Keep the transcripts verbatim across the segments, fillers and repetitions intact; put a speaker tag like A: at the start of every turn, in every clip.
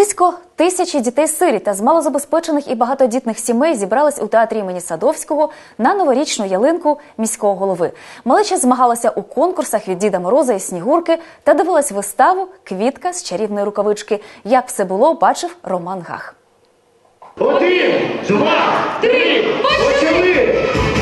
A: Близько тисячі дітей-сиріт та з малозабезпечених і багатодітних сімей зібрались у театрі імені Садовського на новорічну ялинку міського голови. Малеча змагалася у конкурсах від Діда Мороза і Снігурки та дивилась виставу «Квітка з чарівної рукавички». Як все було, бачив Роман Гах.
B: Один, два, три, почали!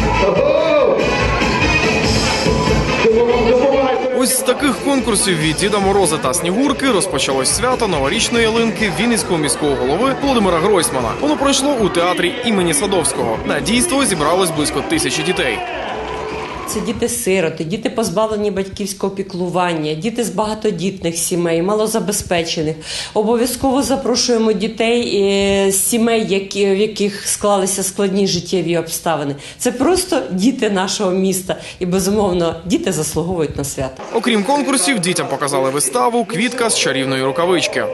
C: Ось з таких конкурсів від Діда Мороза та Снігурки розпочалось свято новорічної ялинки Вінницького міського голови Володимира Гройсмана. Воно пройшло у театрі імені Садовського. На дійство зібралось близько тисячі дітей.
D: Це діти-сироти, діти позбавлені батьківського піклування, діти з багатодітних сімей, малозабезпечених. Обов'язково запрошуємо дітей з сімей, які, в яких склалися складні життєві обставини. Це просто діти нашого міста і, безумовно, діти заслуговують на свято.
C: Окрім конкурсів, дітям показали виставу «Квітка з чарівної рукавички».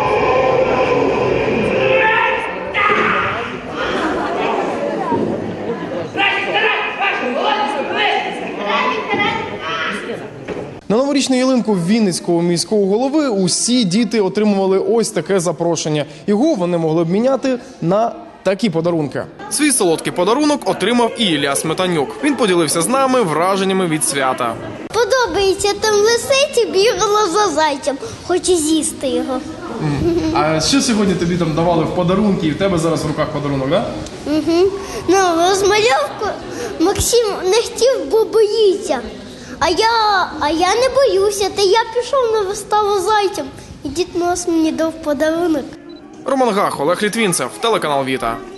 C: На новорічну ялинку Вінницького міського голови усі діти отримували ось таке запрошення. Його вони могли б міняти на такі подарунки. Свій солодкий подарунок отримав і Ілля Сметанюк. Він поділився з нами враженнями від свята.
E: Подобається, там лисиці і бігала за зайцем, хоче з'їсти його.
C: А що сьогодні тобі там давали в подарунки, і в тебе зараз в руках подарунок, так?
E: Угу. Ну, розмальовку Максим не хотів, бо боїться. А я, а я не боюся, та я пішов на виставу зайцем. І Дід Мороз мені дав подарунок.
C: Роман Гах, Олег Літвінцев, телеканал Віта.